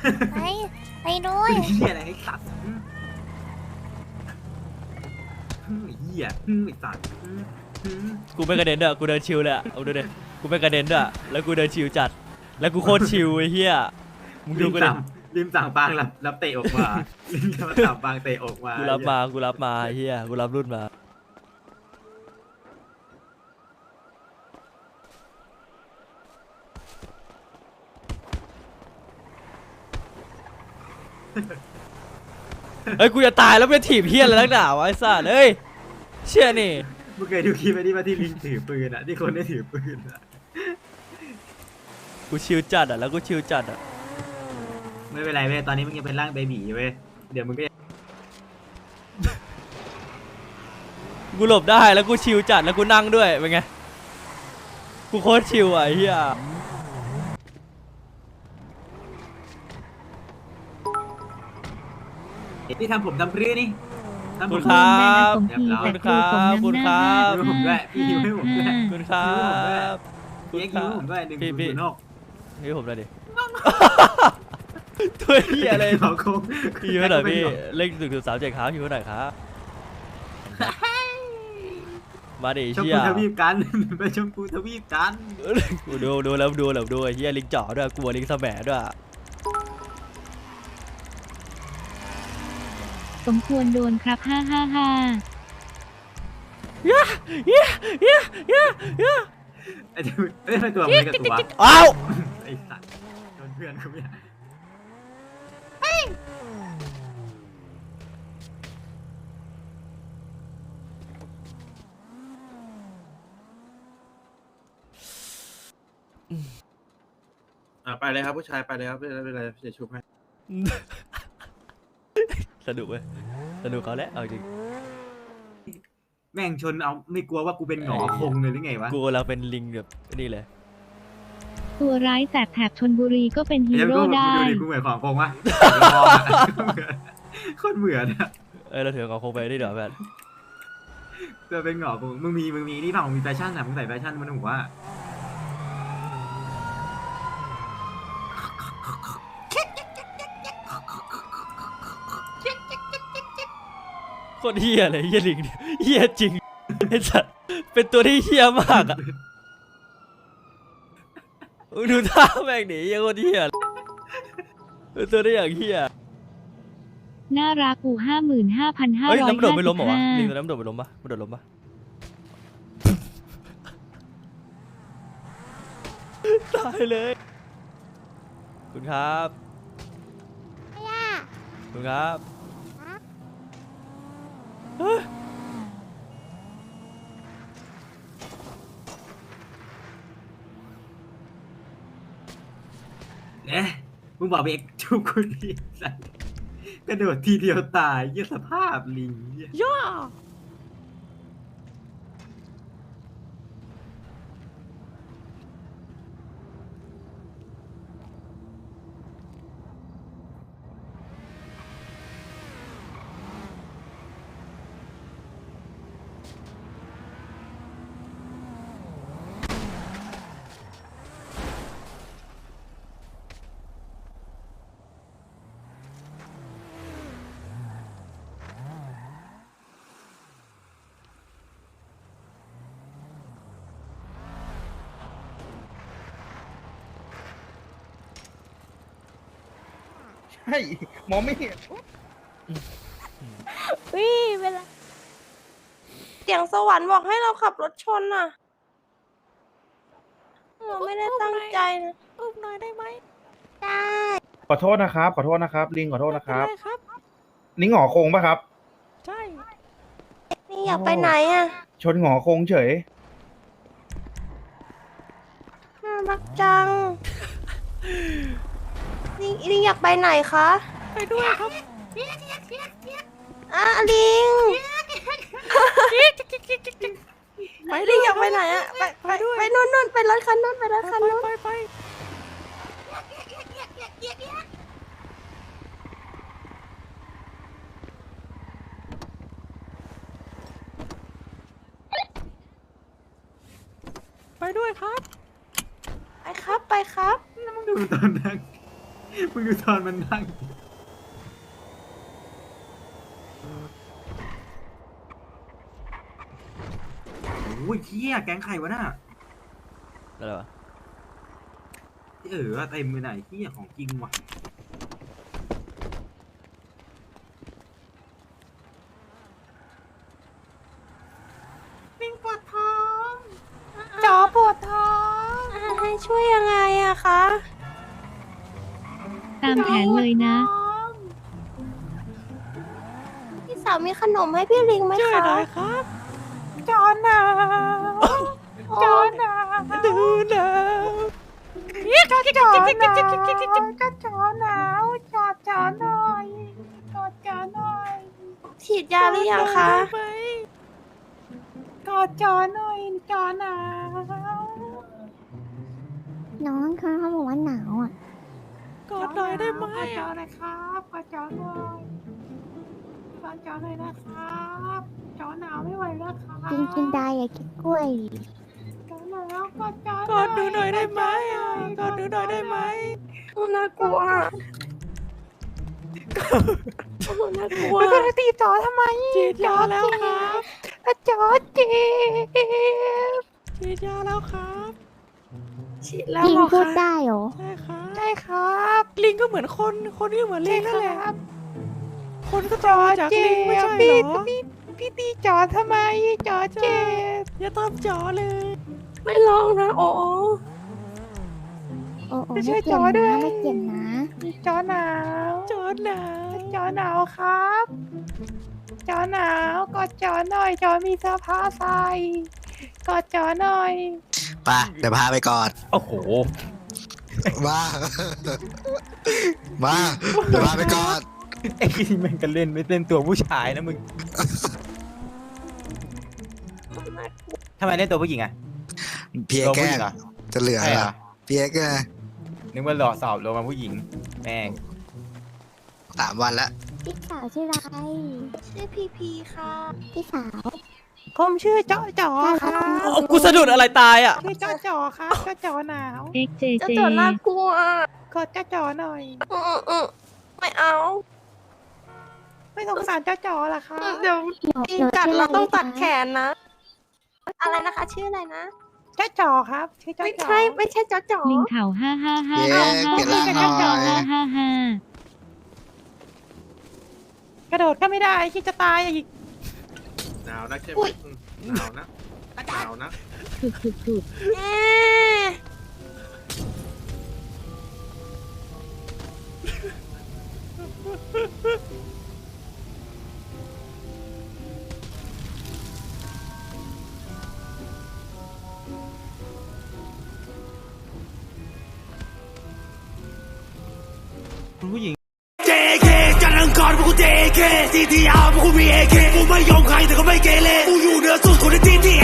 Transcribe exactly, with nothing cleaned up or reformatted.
ไปไปด้วยเหี้ยอะไรไอ้สัตว์ไอ้เหี้ยไอ้สัตว์กูไม่กระเด็นด้วยกูเดินชิวเลยอะเอาดูดิกูไม่กระเด็นด้วยแล้วกูเดินชิวจัดแล้วกูโคตรชิวไอ้เหี้ยมึงริดูมกูดิสั่งริมสั่งปางรับรับเตะออกมาริมสั่งปางเตะออกมากูรับมากูรับมาไอ้เหี้ยกูรับรุ่นมาเฮ้ยกูจะตายแล้วไม่ถีบเหี้ยอะไรนักหนาวะไอ้สัสเอ้ยเชี่ยนี่มึงเคยดูคลิปไหมที่ว่าที่ลิงถือปืนอ่ะที่คนได้ถือปืนอ่ะกูชิวจัดอ่ะแล้วกูชิวจัดอ่ะไม่เป็นไรเว้ยตอนนี้มึงยังเป็นร่างเบบีเว้ยเดี๋ยวมึงก็กูหลบได้แล้วกูชิวจัดแล้วกูนั่งด้วยเป็นไงกูโคตรชิวอ่ะไอ้เหี้ยพี่ทำผมทำพรื้นี่ทำคุผมณครับเรียบร้อยคุณครับคุณครับยิ้มผมด้วยพี่ยิ้มให้ผมด้วยคุณครับพี่เอ็กซ์ยิ้มให้ผมด้วยหนึ่งพี่ศูนพี่ย์หกนี่ผมเลยดิ ตัวเหี้ยอะไรขอโค้งพี่ยิ้มให้หน่อยพี่เลขหนึ่งถึงสามเจ็ดครับยิ้มให้หน่อยครับมาดิชมเชี่ยพูทวีปกัน ไปชมพูทวีปกันกูดูดูแล้วดูแล้วดูไอ้เหี้ยลิงจ่อด้วยกลัวลิงแสมด้วยสมควรโดนครับห้าห้าห้าเย้เย้เย้เย้เย้ไอ้เจ้าเอ้ยทำไมตัวมันกับตัวอ้าวไอ้สัตว์โดนเพื่อนเขาเนี่ยอ่าไปเลยครับผู้ชายไปเลยครับไม่เป็นไรจะชุบให้สนุกเว้ยสนุกเขาแหละเอาจริงแม่งชนเอาไม่กลัวว่ากูเป็นหงอคงเลยหรือไงวะกูเราเป็นลิงแบบนี่เลยตัวร้ายแสบแถบชนบุรีก็เป็นฮีเดี๋ยวโร่กูได้ดูดิกูเหมือนของคงวะโคตรเหมือนอะเออเราถือของคงไปนี่เดี๋ยวแบบตัวเป็นหงอคงมึงมีมึงมีนี่เปล่ามึงมีแฟชั่นอะมึงใส่แฟชั่นมันหัวโคตรเฮี้ยเลยเฮี้ยลิงเนี่ยเฮี้ยจริงไอ้สัสเป็นตัวที่เฮี้ยมากอ่ะมึงดูท่าแม่งหนีเฮี้ยโคตรเฮี้ยเป็นตัวที่อย่างเฮี้ยน่ารักอูห้าหมื่นห้าพันห้าเฮ้ยร้อยน้ำโดดห้าไม่สิล้มบเหรอวะห้าลิงตัวน้ำโดดไม่ล้มปะมันโดดล้มปะตายเลยคุณครับคุณครับเฮ้ยเนี่ยมึงบอกไปเอกชุบคนดีสัตว์กระโดดทีเดียวตายเยี่ยสภาพลิงเหี้ยย่าใช่มองไม่เห็นวิเวลาเสียงสวรรค์บอกให้เราขับรถชนน่ะ เราไม่ได้ตั้งใจนะอุ้มหน่อยได้ไหมได้ขอโทษนะครับ ขอโทษนะครับ ลิงขอโทษนะครับได้ครับลิงหงอคงปะครับใช่ นี่อยากไปไหนอ่ะชนหงอคงเฉยน่ารักจัง นี่นี่อยากไปไหนคะ ไปด้วยครับอ่ะลิง ไปลิงอยากไปไหนอ่ะ ไปไปไปนู่นนู่นไปรถคันนู่นไปรถคันนู่นไปไปไปด้วยครับ ไปครับไปครับแล้วมึงดูตอนนั่งมึงดูตอนมันนั่งโอ้ยเที่ยแก๊งใครวะน่ะอะไรวะเออเต็มไปไหนเที่ยของจริงว่ะลิงปวดท้องจอปวดท้องให้ช่วยยังไงอะคะตามแผนเลยนะพี่สาวมีขนมให้พี่ลิงไหมคะช่วยหน่อยครับจอหนาวจอหนาวดูหนาวก็จอหนาวก็จอหนาวจอจอหน่อยจอจอหน่อยฉีดยาหรือยังคะกอดจอหน่อยจอหนาวน้องเขาเขาบอกว่าหนาวอ่ะกอดหน่อยได้ไหมกอดจอหน่อยครับกอดจอหน่อยกอดจอหน่อยนะครับจอหนาวไม่ไหวแล้วครับกินกินได้อย่ากินกล้วยจอหนาวกอดจอกอดดูหน่อยได้ไหมกอดดูหน่อยได้ไหมน่ากลัวน่ากลัวไม่ต้องตีจอทำไมจีดยาแล้วครับจอเจ็บฉีดยาแล้วครับฉีดแล้วลิงเหรอพูดคะได้เหรอใช่ครับใช่ครับลิงก็เหมือนคนคนก็เหมือนลิงนั่นแหละคนก็จอจากลิงไม่ใช่เหรอพี่พี่ตีจอทำไมจอเจ็บอย่าตามจอเลย ไม่ลองนะโอ้โอ้โอ้ไม่ไม่ใช่เจ็บจอด้วยนะไม่เจ็บนะจอหนาวจอหนาวจอหนาวครับ จอหนาวกอดจอหน่อยจอมีเสื้อผ้าใส่กอดจอหน่อยไปเดี๋ยวพาไปก่อนโอ้โหมา มาเดี๋ยวพาไปก่อนไอ้ที่มันกันเล่นไม่เล่นตัวผู้ชายนะมึงทำไมเล่นตัวผู้หญิงอะเพียแกล้งจะเหลือใช่เหเหรรออเพียแกล้งนึกว่าหล่อสอบลงมาผู้หญิงแม่งสามวันแล้วพี่สาวชื่ออะไรชื่อพีพีค่ะพี่สาวผมชื่อจอจอค่ะเอากูสะดุดอะไรตายอ่ะชื่อจอจอค่ะจอจอหนาวเอ็กเจเจกอดจอจอหน่อยไม่เอา ไม่สงสารจอจอหรอคะเดี๋ยวหนูตีหนูกัดชื่อเราอะไรต้องตัดคะแขนนะ อะไรนะคะ ชื่ออะไรนะจอจอครับชื่อจอจอไม่ใช่ไม่ใช่จอจอลิงเข่าห้าห้าห้าเย้ห้าเปลี่ยนร่างหน่อยห้าห้าห้ากระโดดก็ไม่ได้คิดจะตายอีกหนาวนักใช่ไหมอืมหนาวนะหนาวนะถูกถูกถูกเอ๊ะผู้หญิงเจ เค จันทร์อังคารพวกกู เจ เค ซี ที อาร์ พวกกูมี เอ เค กูไม่ยอมใครแต่ก็ไม่เกเรกูอยู่เหนือสุดคนในทีที